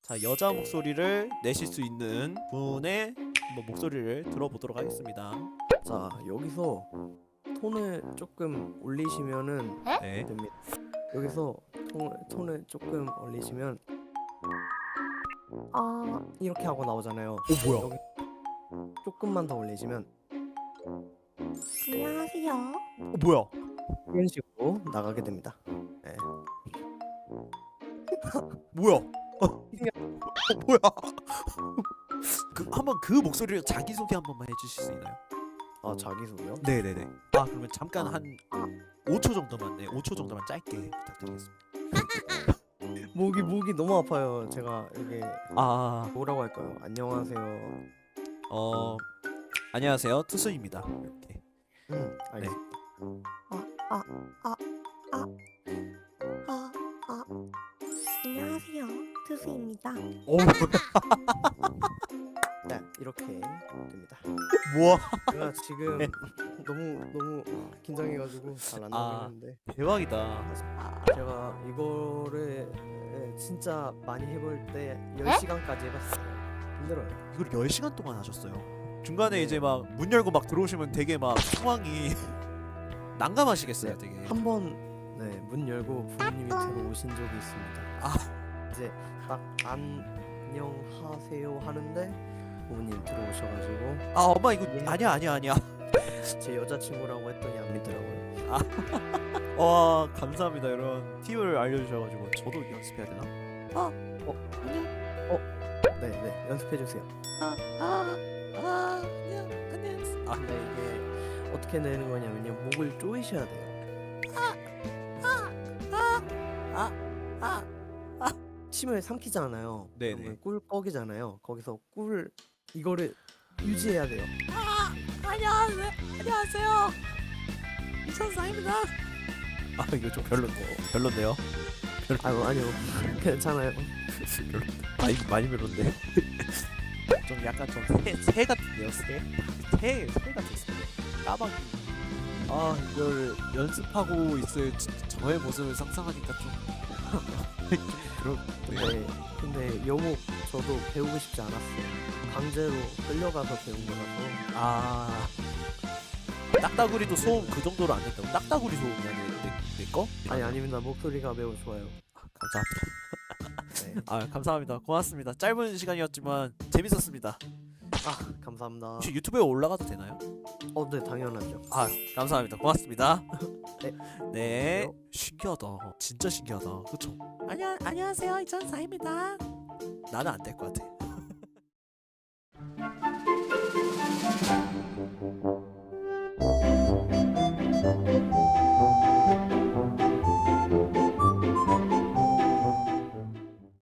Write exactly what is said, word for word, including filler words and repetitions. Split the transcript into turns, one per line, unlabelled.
자, 여자 목소리를 내실 수 있는 분의 뭐 목소리를 들어보도록 하겠습니다.
자, 여기서 톤을 조금 올리시면은
네.
됩니다. 여기서 톤, 톤을 조금 올리시면 아 이렇게 하고 나오잖아요.
어 뭐야?
여기 조금만 더 올리시면
안녕하세요.
어 뭐야?
이런 식으로 나가게 됩니다. 네.
뭐야? 어, 어 뭐야? 그 한번 그 목소리로 자기 소개 한 번만 해주실 수 있나요?
아 자기소개요?
네네네. 아 그러면 잠깐 한 오 초 정도만, 네, 오 초 정도만 짧게 부탁드리겠습니다.
목이 목이 너무 아파요. 제가 여기
아,
뭐라고 할까요? 안녕하세요.
어, 안녕하세요, 투수입니다. 이렇게.
음, 알겠습니다.
아, 아, 아, 안녕하세요. 투수입니다.
오,
네, 이렇게 됩니다.
뭐야?
제가 지금
네.
너무 너무 긴장해가지고 잘 안
아.
나오는데
대박이다.
제가 이거를 예, 진짜 많이 해볼 때 열 시간까지 해봤어요. 힘들어요.
이걸 열 시간 동안 하셨어요. 중간에
네.
이제 막 문 열고 막 들어오시면 되게 막 상황이 난감하시겠어요, 되게.
한 번 네, 문 열고 부모님이 들어오신 적이 있습니다.
아.
이제 딱 안녕하세요 하는데 부모님 들어오셔가지고
아, 엄마 이거
예.
아니야, 아니야, 아니야.
제 여자친구라고 했더니 안 믿더라고요.
와, 감사합니다. 이런 팁을 알려주셔가지고 저도 연습해야 되나?
네, 네, 연습해주세요.
아, 아, 아, 안녕, 안녕. 아,
근데 이게 어떻게 내는 거냐면요, 목을 조이셔야 돼요.
아,
침을 삼키잖아요.
네네.
그러면 꿀꺽이잖아요. 거기서 꿀 이거를 유지해야 돼요.
안녕하세요, 안녕하세요. 이천사입니다. 아, 이거 좀 별론데, 별론데요?
아유 아니요, 괜찮아요.
별로 많이 많이 별론데. 좀 약간 좀새 같은데요, 새? 새, 새 같았어요. 까마귀. 아, 이걸 연습하고 있을 저- 저의 모습을 상상하니까 좀, 좀 그런데.
근데 근데 여목 저도 배우고 싶지 않았어요. 강제로 끌려가서 배운 거라서.
아, 딱따구리도 소음 그 정도로 안 된다고? 딱따구리 소음이 아니에요, 내, 내 거?
아니 아닙니다. 목소리가 매우 좋아요.
감사합니다.
네.
아, 감사합니다. 고맙습니다. 짧은 시간이었지만 재밌었습니다.
아 감사합니다.
혹시 유튜브에 올라가도 되나요?
어, 네 당연하죠.
아, 감사합니다. 고맙습니다.
네.
네. 신기하다. 진짜 신기하다. 그쵸? 안녕, 안녕하세요. 이천사입니다. 나는 안 될 것 같아.